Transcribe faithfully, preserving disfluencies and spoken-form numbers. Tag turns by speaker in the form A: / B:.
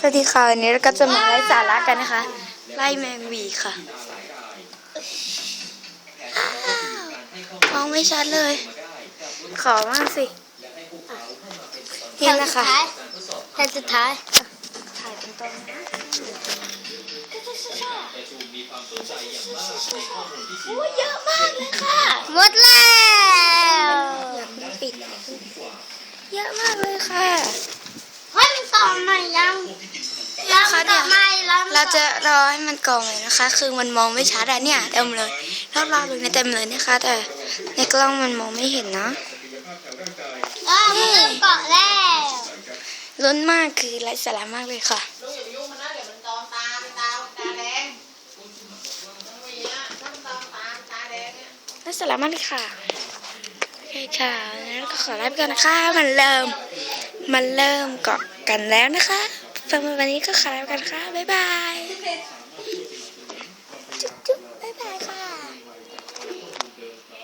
A: วัสดีค่ะวันนี้เราก็จะมาไล่สาระกันนะคะไล่แมงวีค่ะมองไม่ชัดเลยขอมากสินี่นะคะแผ่นสุดท้ายถ่ายตรงๆนะโอ้เยอะมากเลยค่ะหมดแล้วอยากปิดเยอะมากเลยค่ะ
B: เฮ้ยมันต่อใหม่ยัง
A: นะคะเดี๋ยวเราจะรอให้มันกรองเลยนะคะคือมันมองไม่ชัดอะเนี่ยเต็มเลยรอบๆเลยเต็มเลยนะคะแต่ในกล้องมันมองไม่เห็นนะ
B: เออมันเริ่มเกาะแล้ว
A: ล้นมากคือไร้สาระมากเลยค่ะ
C: ลูกอย่าไปยุ่งมันนะเดี๋ยวมันตอมตาเป็นตาตาแดงต้องมีนะถ้ามันตอมตาตาแดงเนี่ย
A: ไร้สาระมากเลยค่ะโอเคค่ะแล้วก็ขอลาไปก่อนนะคะมันเริ่มมันเริ่มเกาะกันแล้วนะคะสำหรับวันนี้ก็ขอลาไปก่อนค่ะบ๊ายบาย